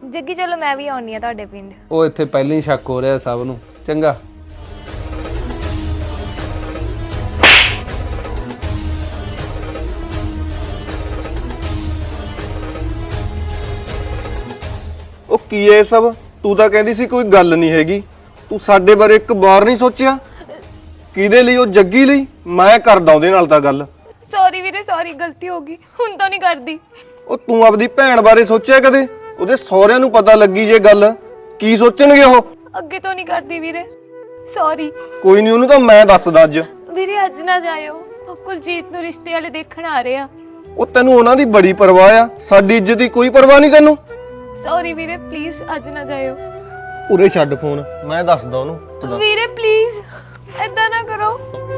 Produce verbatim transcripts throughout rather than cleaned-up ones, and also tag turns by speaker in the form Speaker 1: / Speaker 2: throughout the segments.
Speaker 1: जग्गी चलो मैं भी आउनी आ तुहाडे पिंड।
Speaker 2: ਉਹ ਇੱਥੇ ਪਹਿਲਾਂ ਹੀ ਸ਼ੱਕ ਹੋ ਰਿਹਾ ਸਭ ਨੂੰ। ਚੰਗਾ
Speaker 3: ਉਹ ਕੀ ਐ ਸਭ? ਤੂੰ ਤਾਂ ਕਹਿੰਦੀ ਸੀ ਕੋਈ ਗੱਲ ਨਹੀਂ ਹੈਗੀ, ਤੂੰ ਸਾਡੇ ਬਾਰੇ ਇੱਕ ਵਾਰ ਨਹੀਂ ਸੋਚਿਆ? ਕਿਹਦੇ ਲਈ? ਉਹ ਜੱਗੀ ਲਈ। ਮੈਂ ਕਰਦਾ ਉਹਦੇ ਨਾਲ ਤਾਂ ਗੱਲ।
Speaker 1: सॉरी वीरे सॉरी गलती हो गई, हुण तो नहीं करदी।
Speaker 3: ਉਹ ਤੂੰ ਆਪਦੀ ਭੈਣ ਬਾਰੇ ਸੋਚਿਆ ਕਦੇ? ਉਹਦੇ ਸਹੁਰਿਆਂ ਨੂੰ ਪਤਾ ਲੱਗੀ ਜੇ ਗੱਲ, ਕੀ ਸੋਚਣਗੇ ਉਹ?
Speaker 1: ਅੱਗੇ ਤੋਂ ਨਹੀਂ ਕਰਦੀ ਵੀਰੇ, ਸੌਰੀ।
Speaker 3: ਕੋਈ ਨਹੀਂ, ਉਹਨੂੰ ਤਾਂ ਮੈਂ ਦੱਸਦਾ ਅੱਜ।
Speaker 1: ਵੀਰੇ ਅੱਜ ਨਾ ਜਾਇਓ, ਉਹ ਕੁਲਜੀਤ ਨੂੰ ਰਿਸ਼ਤੇ ਵਾਲੇ ਦੇਖਣ ਆ ਰਹੇ ਆ।
Speaker 3: ਉਹ ਤੈਨੂੰ ਉਹਨਾਂ ਦੀ ਬੜੀ ਪਰਵਾਹ ਆ, ਸਾਡੀ ਇੱਜ਼ਤ ਦੀ ਕੋਈ ਪਰਵਾਹ ਨਹੀਂ ਤੈਨੂੰ?
Speaker 1: ਸੌਰੀ ਵੀਰੇ ਪਲੀਜ਼ ਅੱਜ ਨਾ ਜਾਇਓ।
Speaker 3: ਉਰੇ ਛੱਡ ਫੋਨ, ਮੈਂ ਦੱਸਦਾ ਉਹਨੂੰ।
Speaker 1: ਵੀਰੇ ਪਲੀਜ਼ ਏਦਾਂ ਨਾ ਕਰੋ।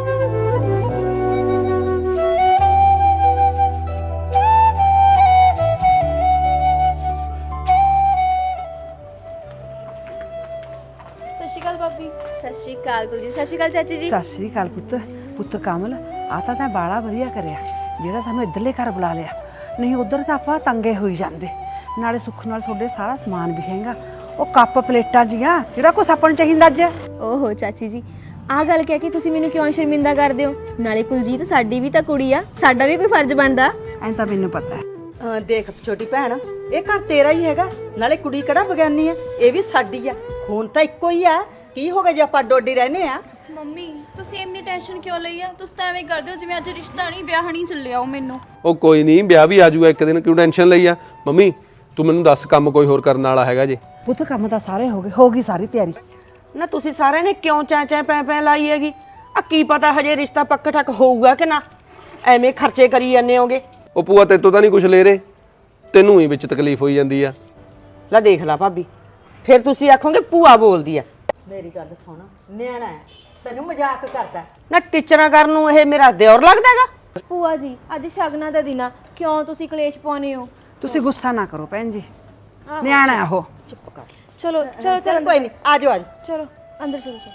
Speaker 1: भाभी सत श्री अकाल गुरु जी। सत श्री अकाल चाची जी।
Speaker 4: सत श्री अकाल पुੱਤ। पुੱਤ कमल आ ਤਾਂ ਤੈਂ ਬਾਲਾ ਵਧੀਆ ਕਰਿਆ ਜਿਹੜਾ ਸਾਨੂੰ ਇੱਧਰਲੇ ਘਰ ਬੁਲਾ ਲਿਆ, ਨਹੀਂ ਉਧਰ ਤਾਂ ਆਪਾਂ ਤੰਗੇ ਹੋਈ ਜਾਂਦੇ। ਨਾਲੇ ਸੁੱਖ ਨਾਲ ਤੁਹਾਡੇ ਸਾਰਾ ਸਮਾਨ ਵੀ ਹੈਗਾ, ਉਹ ਕੱਪ ਪਲੇਟਾਂ ਜੀਆਂ ਜਿਹੜਾ ਕੁਛ ਆਪਾਂ ਨੂੰ ਚਾਹੀਦਾ ਅੱਜ।
Speaker 1: ਓਹੋ ਚਾਚੀ ਜੀ ਆਹ ਗੱਲ ਕਹਿ ਕੇ ਤੁਸੀਂ ਮੈਨੂੰ ਕਿਉਂ ਸ਼ਰਮਿੰਦਾ ਕਰਦੇ ਹੋ? ਨਾਲੇ ਕੁਲਜੀਤ ਸਾਡੀ ਵੀ ਤਾਂ ਕੁੜੀ ਆ, ਸਾਡਾ ਵੀ ਕੋਈ ਫਰਜ਼ ਬਣਦਾ।
Speaker 4: ਐਂ ਤਾਂ ਮੈਨੂੰ ਪਤਾ ਹੈ। ਦੇਖ ਛੋਟੀ ਭੈਣ, ਇਹ ਘਰ ਤੇਰਾ ਹੀ ਹੈਗਾ, ਨਾਲੇ ਕੁੜੀ ਕਿਹੜਾ ਬਗਾਨੀ ਆ, ਇਹ ਵੀ ਸਾਡੀ ਆ। ਖੂਨ ਤਾਂ ਇੱਕੋ ਹੀ ਆ, ਕੀ ਹੋ ਗਿਆ ਜੇ ਆਪਾਂ ਡੋਡੀ ਰਹਿੰਦੇ ਆ?
Speaker 5: ਮੰਮੀ ਤੁਸੀਂ ਇੰਨੀ ਟੈਨਸ਼ਨ ਕਿਉਂ ਲਈ ਆ? ਤੁਸੀਂ ਤਾਂ ਐਵੇਂ ਕਰਦੇ ਹੋ ਜਿਵੇਂ ਅੱਜ ਰਿਸ਼ਤਾ ਨਹੀਂ ਵਿਆਹ ਨਹੀਂ ਚੱਲਿਆ ਉਹ ਮੈਨੂੰ।
Speaker 2: ਉਹ ਕੋਈ ਨਹੀਂ, ਵਿਆਹ ਵੀ ਆ ਜਾਊਗਾ ਇੱਕ ਦਿਨ, ਕਿਉਂ ਟੈਨਸ਼ਨ ਲਈ ਆ? ਮੰਮੀ ਤੂੰ ਮੈਨੂੰ ਦੱਸ, ਕੰਮ ਕੋਈ ਹੋਰ ਕਰਨ ਵਾਲਾ ਹੈਗਾ ਜੇ?
Speaker 4: ਪੁੱਤ ਕੰਮ ਤਾਂ ਸਾਰੇ ਹੋ ਗਏ, ਹੋ ਗਈ ਸਾਰੀ ਤਿਆਰੀ। ਨਾ ਤੁਸੀਂ ਸਾਰਿਆਂ ਨੇ ਕਿਉਂ ਚੈਂ ਚੈਂ ਪੈ ਪੈ ਲਾਈ ਹੈਗੀ? ਆ ਕੀ ਪਤਾ ਹਜੇ ਰਿਸ਼ਤਾ ਪੱਕ ਠੱਕ ਹੋਊਗਾ ਕਿ ਨਾ, ਐਵੇਂ ਖਰਚੇ ਕਰੀ ਜਾਂਦੇ ਹੋਗੇ।
Speaker 2: ਉਹ ਭੂਆ ਤੇਤੋਂ ਤਾਂ ਨਹੀਂ ਕੁਛ ਲੈ ਰਹੇ, ਤੈਨੂੰ ਹੀ ਵਿੱਚ ਤਕਲੀਫ ਹੋਈ ਜਾਂਦੀ ਆ।
Speaker 4: ਲੈ ਦੇਖ ਲਾ ਭਾਬੀ, ਫਿਰ ਤੁਸੀਂ ਆਖੋਗੇ ਭੂਆ ਬੋਲਦੀ ਆ। ਮੇਰੀ ਗੱਲ ਸੁਣ, ਨਿਆਣਾ ਹੈ, ਤੈਨੂੰ ਮਜ਼ਾਕ ਕਰਦਾ ਨਾ, ਟੀਚਰਾਂ ਕਰਨ ਨੂੰ ਇਹ ਮੇਰਾ ਦਿਓਰ ਲੱਗਦਾ ਹੈਗਾ।
Speaker 1: ਭੂਆ ਜੀ ਅੱਜ ਸ਼ਗਨਾਂ ਦਾ ਦਿਨ ਆ, ਕਿਉਂ ਤੁਸੀਂ ਕਲੇਸ਼ ਪਾਉਨੇ ਹੋ?
Speaker 4: ਤੁਸੀਂ ਗੁੱਸਾ ਨਾ ਕਰੋ ਭੈਣ ਜੀ, ਨਿਆਣਾ ਹੈ ਉਹ। ਚੁੱਪ ਕਰ।
Speaker 1: ਚਲੋ ਚਲੋ ਚਲੋ
Speaker 4: ਕੋਈ ਨਹੀਂ, ਆ ਜਾਓ ਅੱਜ।
Speaker 1: ਚਲੋ ਅੰਦਰ ਚਲੋ ਚਲੋ।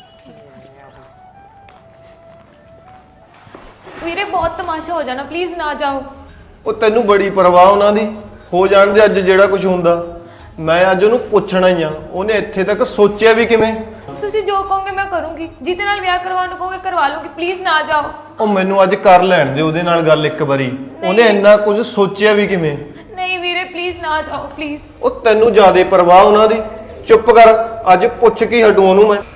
Speaker 1: ਵੀਰੇ ਬਹੁਤ ਤਮਾਸ਼ਾ ਹੋ ਜਾਣਾ, ਪਲੀਜ਼ ਨਾ ਜਾਓ।
Speaker 3: ਉਹ ਤੈਨੂੰ ਬੜੀ ਪਰਵਾਹ ਉਹਨਾਂ ਦੀ, ਹੋ ਜਾਣ ਦੇ ਅੱਜ ਜਿਹੜਾ ਕੁਝ ਹੁੰਦਾ। ਮੈਂ ਅੱਜ ਉਹਨੂੰ ਪੁੱਛਣਾ ਹੀ ਆ, ਉਹਨੇ ਇੱਥੇ ਤੱਕ ਸੋਚਿਆ ਵੀ ਕਿਵੇਂ?
Speaker 1: ਤੁਸੀਂ ਜੋ ਕਹੋਗੇ ਮੈਂ ਕਰੂੰਗੀ, ਜਿਹਦੇ ਨਾਲ ਵਿਆਹ ਕਰਵਾਉਣ ਨੂੰ ਕਹੋਗੇ ਕਰਵਾ ਲੂੰਗੀ, ਪਲੀਜ਼ ਨਾ ਜਾਓ।
Speaker 3: ਉਹ ਮੈਨੂੰ ਅੱਜ ਕਰ ਲੈਣ ਦੇ ਉਹਦੇ ਨਾਲ ਗੱਲ ਇੱਕ ਵਾਰੀ, ਉਹਨੇ ਇੰਨਾ ਕੁਝ ਸੋਚਿਆ ਵੀ ਕਿਵੇਂ?
Speaker 1: ਨਹੀਂ ਵੀਰੇ ਪਲੀਜ਼ ਨਾ ਜਾਓ ਪਲੀਜ਼।
Speaker 3: ਉਹ ਤੈਨੂੰ ਜ਼ਿਆਦਾ ਪਰਵਾਹ ਉਹਨਾਂ ਦੀ, ਚੁੱਪ ਕਰ, ਅੱਜ ਪੁੱਛ ਕੇ ਹਟੂ ਉਹਨੂੰ ਮੈਂ।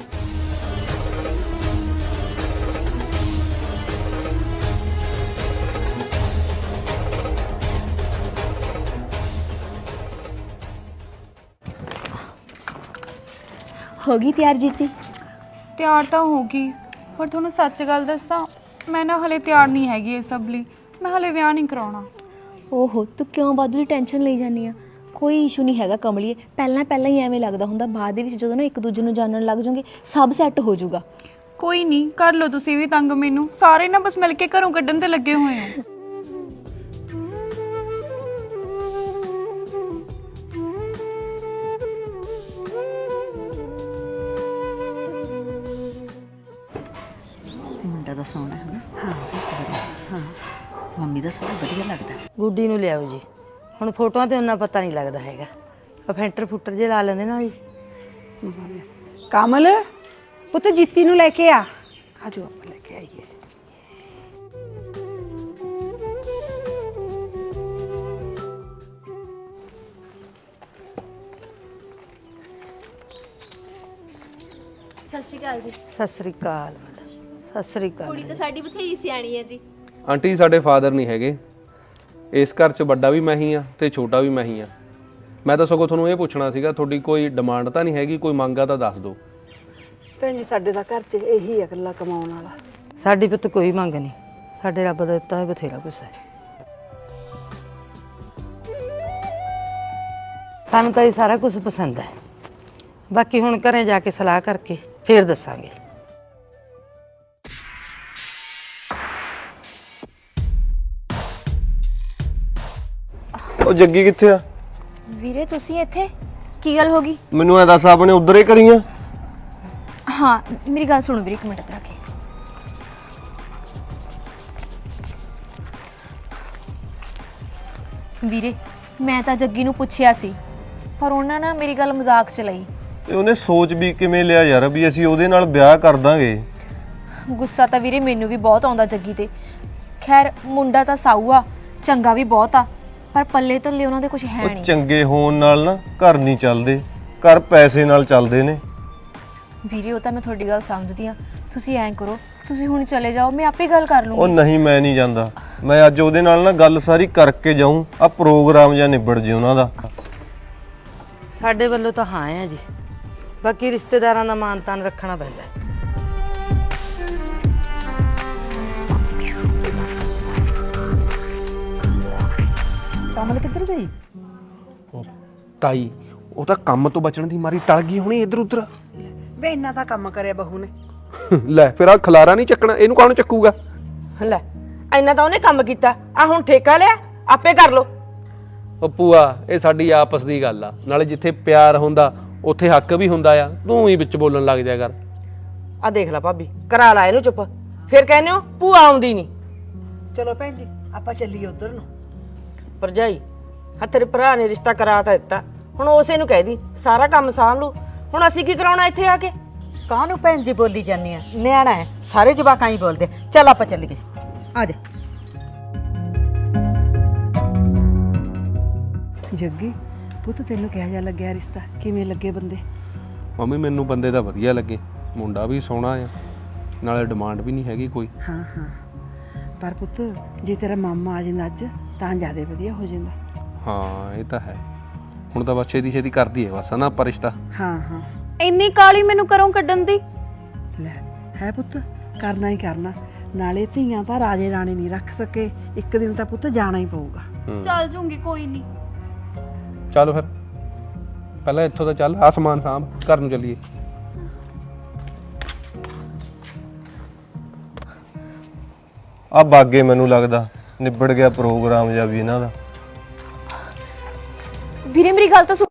Speaker 1: ਹੋ ਗਈ ਤਿਆਰ ਜੀਤੀ?
Speaker 5: ਤਿਆਰ ਤਾਂ ਹੋ ਗਈ, ਪਰ ਤੁਹਾਨੂੰ ਸੱਚ ਗੱਲ ਦੱਸਾਂ, ਮੈਂ ਨਾ ਹਲੇ ਤਿਆਰ ਨਹੀਂ ਹੈਗੀ ਇਹ ਸਭ ਲਈ। ਮੈਂ ਹਲੇ ਵਿਆਹ ਨਹੀਂ ਕਰਾਉਣਾ।
Speaker 1: ਓਹੋ ਤੂੰ ਕਿਉਂ ਬਾਦੂ ਦੀ ਟੈਨਸ਼ਨ ਲਈ ਜਾਂਦੀ ਆ? ਕੋਈ ਇਸ਼ੂ ਨਹੀਂ ਹੈਗਾ ਕਮਲੀਏ, ਪਹਿਲਾਂ ਪਹਿਲਾਂ ਹੀ ਐਵੇਂ ਲੱਗਦਾ ਹੁੰਦਾ, ਬਾਅਦ ਦੇ ਵਿੱਚ ਜਦੋਂ ਨਾ ਇੱਕ ਦੂਜੇ ਨੂੰ ਜਾਣਨ ਲੱਗ ਜਾਓਗੇ ਸਭ ਸੈੱਟ ਹੋ ਜਾਊਗਾ।
Speaker 5: ਕੋਈ ਨਹੀਂ, ਕਰ ਲਓ ਤੁਸੀਂ ਵੀ ਤੰਗ ਮੈਨੂੰ, ਸਾਰੇ ਨਾ ਬਸ ਮਿਲ ਕੇ ਘਰੋਂ ਕੱਢਣ ਤੇ ਲੱਗੇ ਹੋਏ ਹੋ।
Speaker 4: ਮੁੰਡਾ ਦਾ ਸੋਹਣਾ ਹੈ ਨਾ? ਹਾਂ ਹਾਂ, ਮੰਮੀ ਦਾ ਸੋਹਣਾ ਵਧੀਆ ਲੱਗਦਾ। ਗੁੱਡੀ ਨੂੰ ਲਿਆਓ ਜੀ, ਹੁਣ ਫੋਟੋਆਂ ਤੇ ਉਹਨਾਂ ਪਤਾ ਨਹੀਂ ਲੱਗਦਾ ਹੈਗਾ, ਫੈਂਟਰ ਫੁੱਟਰ ਜੇ ਲਾ ਲੈਂਦੇ ਨਾ ਜੀ। ਕਮਲ ਪੁੱਤ ਜੀਤੀ ਨੂੰ ਲੈ ਕੇ ਆ, ਆਜੋ ਆਪਾਂ ਲੈ ਕੇ ਆਈਏ।
Speaker 1: ਸਤਿ ਸ਼੍ਰੀ ਅਕਾਲ ਜੀ।
Speaker 4: ਸਤਿ ਸ੍ਰੀ ਅਕਾਲ। ਸਤਿ ਸ੍ਰੀ ਅਕਾਲ।
Speaker 1: ਕੁੜੀ ਤਾਂ ਸਾਡੀ ਬਥੇਰੀ ਸਿਆਣੀ ਹੈ ਜੀ।
Speaker 2: ਆਂਟੀ ਸਾਡੇ ਫਾਦਰ ਨਹੀਂ ਹੈਗੇ, ਇਸ ਘਰ 'ਚ ਵੱਡਾ ਵੀ ਮੈਂ ਹੀ ਆ ਤੇ ਛੋਟਾ ਵੀ ਮੈਂ ਹੀ ਆ। ਮੈਂ ਤਾਂ ਸਗੋਂ ਤੁਹਾਨੂੰ ਇਹ ਪੁੱਛਣਾ ਸੀਗਾ, ਤੁਹਾਡੀ ਕੋਈ ਡਿਮਾਂਡ ਤਾਂ ਨਹੀਂ ਹੈਗੀ, ਕੋਈ ਮੰਗ ਆ ਤਾਂ ਦੱਸ ਦਿਓ।
Speaker 4: ਭੈਣ ਜੀ ਸਾਡੇ ਦਾ ਘਰ 'ਚ ਇਹੀ ਹੈ ਇਕੱਲਾ ਕਮਾਉਣ ਵਾਲਾ। ਸਾਡੀ ਪੁੱਤ ਕੋਈ ਮੰਗ ਨਹੀਂ, ਸਾਡੇ ਰੱਬ ਦਾ ਦਿੱਤਾ ਹੈ ਬਥੇਰਾ ਕੁਛ ਹੈ। ਸਾਨੂੰ ਤਾਂ ਇਹ ਸਾਰਾ ਕੁਝ ਪਸੰਦ ਹੈ, ਬਾਕੀ ਹੁਣ ਘਰੇ ਜਾ ਕੇ ਸਲਾਹ ਕਰਕੇ ਫੇਰ ਦੱਸਾਂਗੇ।
Speaker 3: ਉਹ ਜੱਗੀ ਕਿੱਥੇ ਆ?
Speaker 1: ਵੀਰੇ ਤੁਸੀਂ ਇੱਥੇ ਕੀ ਗੱਲ ਹੋ ਗਈ?
Speaker 3: ਮੈਨੂੰ ਐ ਦੱਸ, ਆਪਣੇ ਉਧਰ ਹੀ ਕਰੀਆਂ?
Speaker 1: ਹਾਂ ਮੇਰੀ ਗੱਲ ਸੁਣੋ ਵੀਰੇ, ਇੱਕ ਮਿੰਟ ਤੱਕ ਕੇ। ਵੀਰੇ ਮੈਂ ਤਾਂ ਜੱਗੀ ਨੂੰ ਪੁੱਛਿਆ ਸੀ, ਪਰ ਉਹਨਾਂ ਨੇ ਮੇਰੀ ਗੱਲ ਮਜ਼ਾਕ 'ਚ ਲਈ।
Speaker 3: ਤੇ ਉਹਨੇ ਸੋਚ ਵੀ ਕਿਵੇਂ ਲਿਆ ਯਾਰ ਵੀ ਅਸੀਂ ਉਹਦੇ ਨਾਲ ਵਿਆਹ ਕਰ ਦਾਂਗੇ।
Speaker 1: ਗੁੱਸਾ ਤਾਂ ਵੀਰੇ ਮੈਨੂੰ ਵੀ ਬਹੁਤ ਆਉਂਦਾ ਜੱਗੀ ਤੇ। ਖੈਰ ਮੁੰਡਾ ਤਾਂ ਸਾਊ ਆ, ਚੰਗਾ ਵੀ ਬਹੁਤ ਆ, ਪਰ ਪੱਲੇ ਥੱਲੇ ਉਹਨਾਂ ਦੇ ਕੁਝ ਹੈ
Speaker 3: ਉਹ
Speaker 1: ਨਹੀਂ।
Speaker 3: ਚੰਗੇ ਹੋਣ ਨਾਲ ਨਾ ਘਰ ਨਹੀਂ ਚੱਲਦੇ, ਘਰ ਪੈਸੇ ਨਾਲ ਚੱਲਦੇ ਨੇ।
Speaker 1: ਵੀਰੇ ਉਹ ਤਾਂ ਮੈਂ ਤੁਹਾਡੀ ਗੱਲ ਸਮਝਦੀ ਆ, ਤੁਸੀਂ ਐਂ ਕਰੋ, ਤੁਸੀਂ ਹੁਣ ਚਲੇ ਜਾਓ, ਮੈਂ ਆਪੇ ਗੱਲ ਕਰ
Speaker 3: ਉਹ
Speaker 1: ਲੂੰਗੀ।
Speaker 3: ਨਹੀਂ, ਮੈਂ ਨਹੀਂ ਜਾਂਦਾ। ਮੈਂ ਅੱਜ ਉਹਦੇ ਨਾਲ ਨਾ ਗੱਲ ਸਾਰੀ ਕਰਕੇ ਜਾਊਂ, ਆ ਪ੍ਰੋਗਰਾਮ ਜਾਂ ਨਿਬੜ ਜੇ ਉਹਨਾਂ ਦਾ।
Speaker 6: ਸਾਡੇ ਵੱਲੋਂ ਤਾਂ ਹਾਂ ਹੈ ਜੀ, ਬਾਕੀ ਰਿਸ਼ਤੇਦਾਰਾਂ ਦਾ ਮਾਨ ਤਾਨ ਰੱਖਣਾ ਪੈਂਦਾ ਹੈ।
Speaker 4: ਕਮਲ ਕਿੱਧਰ ਗਈ?
Speaker 2: ਤਾਈ ਉਹ ਤਾਂ ਕੰਮ ਤੋਂ ਬਚਣ ਦੀ ਮਾਰੀ ਟਲ ਗਈ ਹੋਣੀ ਇੱਧਰ ਉੱਧਰ।
Speaker 4: ਵੇ ਇੰਨਾ ਤਾਂ ਕੰਮ ਕਰਿਆ ਬਹੂ ਨੇ।
Speaker 2: ਲੈ ਫਿਰ ਆ ਖਲਾਰਾ ਨਹੀਂ ਚੱਕਣਾ, ਇਹਨੂੰ ਕੌਣ ਚੱਕੂਗਾ?
Speaker 6: ਲੈ ਇੰਨਾ ਤਾਂ ਉਹਨੇ ਕੰਮ ਕੀਤਾ, ਆ ਹੁਣ ਠੇਕਾ ਲਿਆ, ਆਪੇ ਕਰ ਲੋ।
Speaker 2: ਉਹ ਭੂਆ ਇਹ ਸਾਡੀ ਆਪਸ ਦੀ ਗੱਲ ਆ, ਨਾਲੇ ਜਿੱਥੇ ਪਿਆਰ ਹੁੰਦਾ ਉੱਥੇ ਹੱਕ ਵੀ ਹੁੰਦਾ ਆ, ਤੂੰ ਹੀ ਵਿੱਚ ਬੋਲਣ ਲੱਗ ਜਾ ਕਰ।
Speaker 6: ਆ ਦੇਖ ਲੈ ਭਾਬੀ, ਕਰਾ ਲਾ ਇਹਨੂੰ ਚੁੱਪ, ਫਿਰ ਕਹਿੰਦੇ ਹੋ ਭੂਆ ਆਉਂਦੀ ਨਹੀਂ।
Speaker 4: ਚਲੋ ਭੈਣ ਜੀ ਆਪਾਂ ਚੱਲੀਏ ਉਧਰ ਨੂੰ।
Speaker 6: ਭਰਜਾਈ ਆ ਤੇਰੇ ਭਰਾ ਨੇ ਰਿਸ਼ਤਾ ਕਰਾ ਤਾਂ ਦਿੱਤਾ, ਹੁਣ ਉਸੇ ਨੂੰ ਕਹਿ ਦੀ ਸਾਰਾ ਕੰਮ ਸਾਂਭ ਲੂ। ਹੁਣ ਅਸੀਂ ਕੀ ਕਰਾਉਣਾ ਇੱਥੇ ਆ ਕੇ?
Speaker 4: ਕਾਹਨੂੰ ਭੈਣ ਜੀ ਬੋਲੀ ਜਾਂਦੀ ਆ, ਨਿਆਣਾ ਹੈ, ਸਾਰੇ ਜਵਾਕਾਂ ਹੀ ਬੋਲਦੇ। ਚੱਲ ਆਪਾਂ ਚੱਲੀਏ, ਆ ਜਾ। ਜੱਗੀ ਪੁੱਤ ਤੈਨੂੰ ਕਿਹੋ ਜਿਹਾ ਲੱਗਿਆ ਰਿਸ਼ਤਾ, ਕਿਵੇਂ ਲੱਗੇ ਬੰਦੇ?
Speaker 2: ਮੰਮੀ ਮੈਨੂੰ ਬੰਦੇ ਤਾਂ ਵਧੀਆ ਲੱਗੇ, ਮੁੰਡਾ ਵੀ ਸੋਹਣਾ ਆ, ਨਾਲੇ ਡਿਮਾਂਡ ਵੀ ਨਹੀਂ ਹੈਗੀ ਕੋਈ।
Speaker 4: ਹਾਂ ਹਾਂ, ਪਰ ਪੁੱਤ ਜੇ ਤੇਰਾ ਮਾਮਾ ਆ ਜਾਂਦਾ ਅੱਜ ਤਾਂ ਜ਼ਿਆਦਾ ਵਧੀਆ ਹੋ ਜਾਂਦਾ।
Speaker 2: ਹਾਂ ਇਹ ਤਾਂ ਹੈ, ਹੁਣ ਤਾਂ ਬਸ ਛੇਤੀ ਛੇਤੀ ਕਰਦੀ ਹੈ ਬਸ ਨਾ ਆਪਾਂ ਰਿਸ਼ਤਾ।
Speaker 4: ਹਾਂ ਹਾਂ
Speaker 5: ਇੰਨੀ ਕਾਲੀ ਮੈਨੂੰ ਘਰੋਂ ਕੱਢਣ ਦੀ?
Speaker 4: ਲੈ ਹੈ ਪੁੱਤ, ਕਰਨਾ ਹੀ ਕਰਨਾ, ਨਾਲੇ ਧੀਆਂ ਤਾਂ ਰਾਜੇ ਰਾਣੀ ਨਹੀਂ ਰੱਖ ਸਕੇ, ਇੱਕ ਦਿਨ ਤਾਂ ਪੁੱਤ ਜਾਣਾ ਹੀ ਪਊਗਾ।
Speaker 2: ਹੂੰ।
Speaker 5: ਚੱਲ ਜੂੰਗੀ, ਕੋਈ ਨਹੀਂ।
Speaker 2: ਚੱਲ ਫਿਰ ਪਹਿਲਾਂ ਇੱਥੋਂ ਤਾਂ ਚੱਲ, ਆ ਸਮਾਨ ਸਾਂਭ, ਘਰ ਨੂੰ ਚੱਲੀਏ।
Speaker 3: ਆ ਬਾਗੇ ਮੈਨੂੰ ਲੱਗਦਾ ਨਿਬੜ ਗਿਆ ਪ੍ਰੋਗਰਾਮ ਜਾਂ ਵੀ ਇਹਨਾਂ ਦਾ।
Speaker 1: ਵੀਰੇ ਮੇਰੀ ਗੱਲ ਤਾਂ ਸੁਣ।